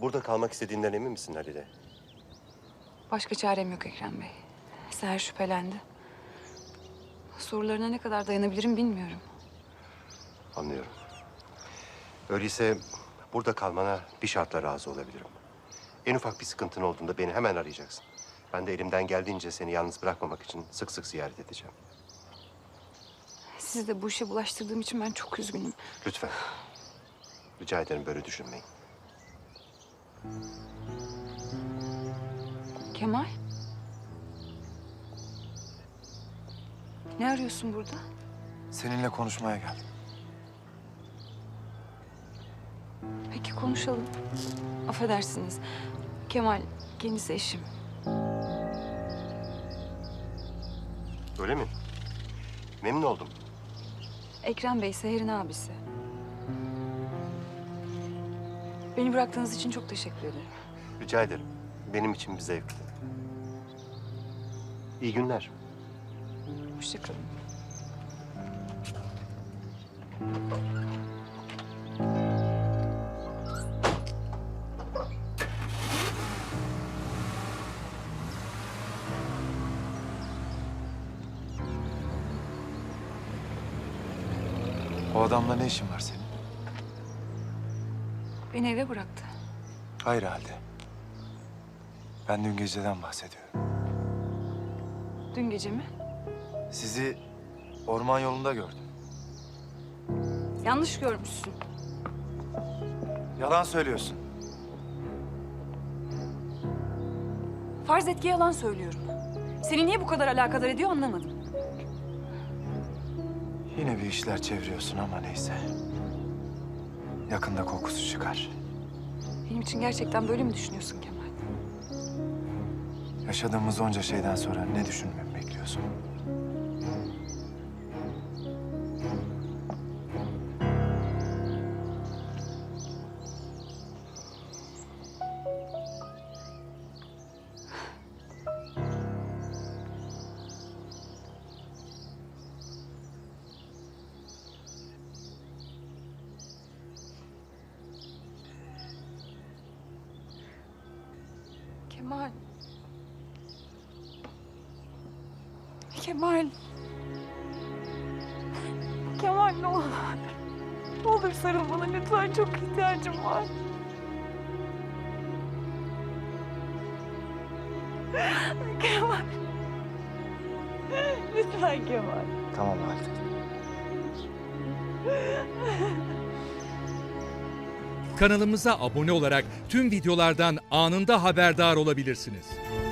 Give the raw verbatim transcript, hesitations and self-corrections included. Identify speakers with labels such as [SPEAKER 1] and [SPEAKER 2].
[SPEAKER 1] Burada kalmak istediğinden emin misin Halide?
[SPEAKER 2] Başka çarem yok Ekrem Bey. Seher şüphelendi. Sorularına ne kadar dayanabilirim bilmiyorum.
[SPEAKER 1] Anlıyorum. Öyleyse burada kalmana bir şartla razı olabilirim. En ufak bir sıkıntın olduğunda beni hemen arayacaksın. Ben de elimden geldiğince seni yalnız bırakmamak için sık sık ziyaret edeceğim.
[SPEAKER 2] Sizi de bu işe bulaştırdığım için ben çok üzgünüm.
[SPEAKER 1] Lütfen. Rica ederim, böyle düşünmeyin.
[SPEAKER 2] Kemal? Ne arıyorsun burada?
[SPEAKER 3] Seninle konuşmaya geldim.
[SPEAKER 2] Peki konuşalım. Affedersiniz. Kemal, kendisi eşim.
[SPEAKER 1] Öyle mi? Memnun oldum.
[SPEAKER 2] Ekrem Bey, Seher'in abisi. Beni bıraktığınız için çok teşekkür ederim.
[SPEAKER 1] Rica ederim. Benim için bir zevkti. İyi günler.
[SPEAKER 2] Hoşça kalın.
[SPEAKER 3] O adamla ne işin var senin?
[SPEAKER 2] Beni eve bıraktı.
[SPEAKER 3] Hayır halde. Ben dün geceden bahsediyorum.
[SPEAKER 2] Dün gece mi?
[SPEAKER 3] Sizi orman yolunda gördüm.
[SPEAKER 2] Yanlış görmüşsün.
[SPEAKER 3] Yalan söylüyorsun.
[SPEAKER 2] Farz et ki yalan söylüyorum. Seni niye bu kadar alakadar ediyor anlamadım.
[SPEAKER 3] Yine bir işler çeviriyorsun ama neyse. Yakında kokusu çıkar.
[SPEAKER 2] Benim için gerçekten böyle mi düşünüyorsun Kemal?
[SPEAKER 3] Yaşadığımız onca şeyden sonra ne düşünmemi bekliyorsun?
[SPEAKER 2] Kemal. Kemal. Kemal ne olur. Ne olur sarıl bana lütfen, çok ihtiyacım var. Kemal. Lütfen Kemal.
[SPEAKER 3] Tamam halde.
[SPEAKER 4] Kanalımıza abone olarak tüm videolardan anında haberdar olabilirsiniz.